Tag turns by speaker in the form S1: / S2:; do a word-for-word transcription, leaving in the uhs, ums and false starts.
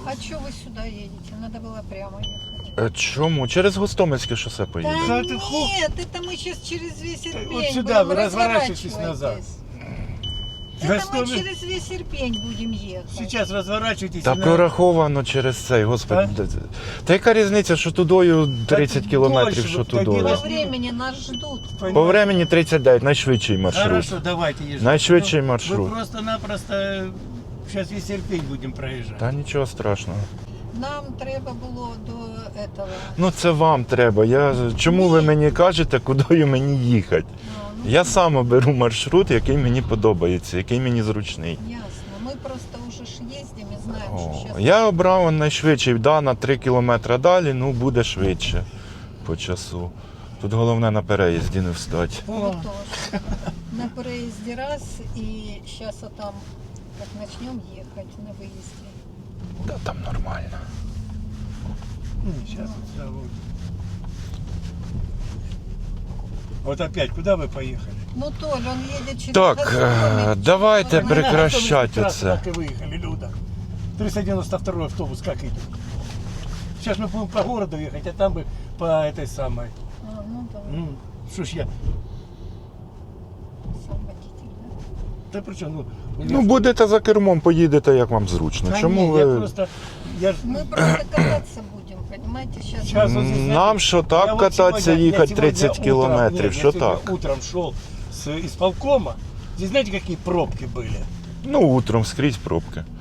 S1: А что вы сюда едете? Надо было прямо ехать.
S2: Е, Чому? Через Гостомельське шосе
S1: Да
S2: поїдемо.
S3: Да ты ху-
S1: нет, это мы сейчас через весь Ирпень
S3: Вот сюда
S1: будем,
S3: вы разворачивайтесь
S1: разворачивайтесь.
S3: назад.
S1: Это мы
S3: Гостомель-
S1: через весь Ирпень будем ехать.
S3: Сейчас разворачивайтесь.
S2: Та
S3: и на-
S2: прораховано через цей, господи. де- де- Та яка різниця, що тудою тридцять
S3: Та
S2: кілометрів,
S3: дольше,
S2: що
S3: от
S2: тудою?
S3: тоді
S1: По
S3: раз-
S1: времени нас ждут.
S3: Понимаете?
S2: По времени тридцять дев'ять, найшвидший маршрут.
S3: Хорошо, давайте езжайте.
S2: Найшвидший
S3: Ну,
S2: маршрут.
S3: Мы просто-напросто сейчас весь Ирпень будем проезжать.
S2: Та нічого страшного.
S1: Нам треба було до этого.
S2: Ну це вам треба. Я... Чому ви мені кажете, куди мені їхати?
S1: Ну, ну,
S2: Я сам оберу маршрут, який мені подобається, який мені зручний.
S1: ясно. Мы просто уже ж ездим и знаем,
S2: О,
S1: что сейчас...
S2: я обрав найшвидший, да, на три кілометри далі, ну буде швидше по часу. Тут головне на переїзді не встати.
S3: О,
S1: Вот тоже. На проезде раз, и сейчас а там, как начнем ехать на выезде.
S2: Та там нормально.
S3: сейчас вот сюда вот. Вот опять, куда вы поехали?
S1: Ну, Толь, он едет через...
S2: Так,
S1: Гастроми.
S2: е, давайте
S1: Ну,
S2: прекращати
S3: Трассы
S2: оце.
S3: так и выехали, Люда. триста девяносто второй автобус как идет? Сейчас мы будем по городу ехать, а там бы по этой самой.
S1: А, ну да,
S3: Ну, что ж я...
S1: сам водитель, да?
S3: Да при чем? Ну, у
S2: Ну,
S3: меня-
S2: будете за кермом, поїдете, як вам зручно.
S3: Да
S2: Чому
S3: не, я
S2: ви...
S3: просто... Я ж-
S1: Мы просто кататься будем, понимаете, сейчас...
S3: Щас вот здесь,
S2: Нам що
S3: Я
S2: так
S3: вот
S2: кататися,
S3: сегодня- я
S2: їхати
S3: сегодня
S2: тридцять
S3: утром-
S2: кілометрів,
S3: нет,
S2: що
S3: я сегодня
S2: так?
S3: утром шел с исполкома. Здесь знаете, какие пробки были?
S2: Ну, утром скрізь пробки.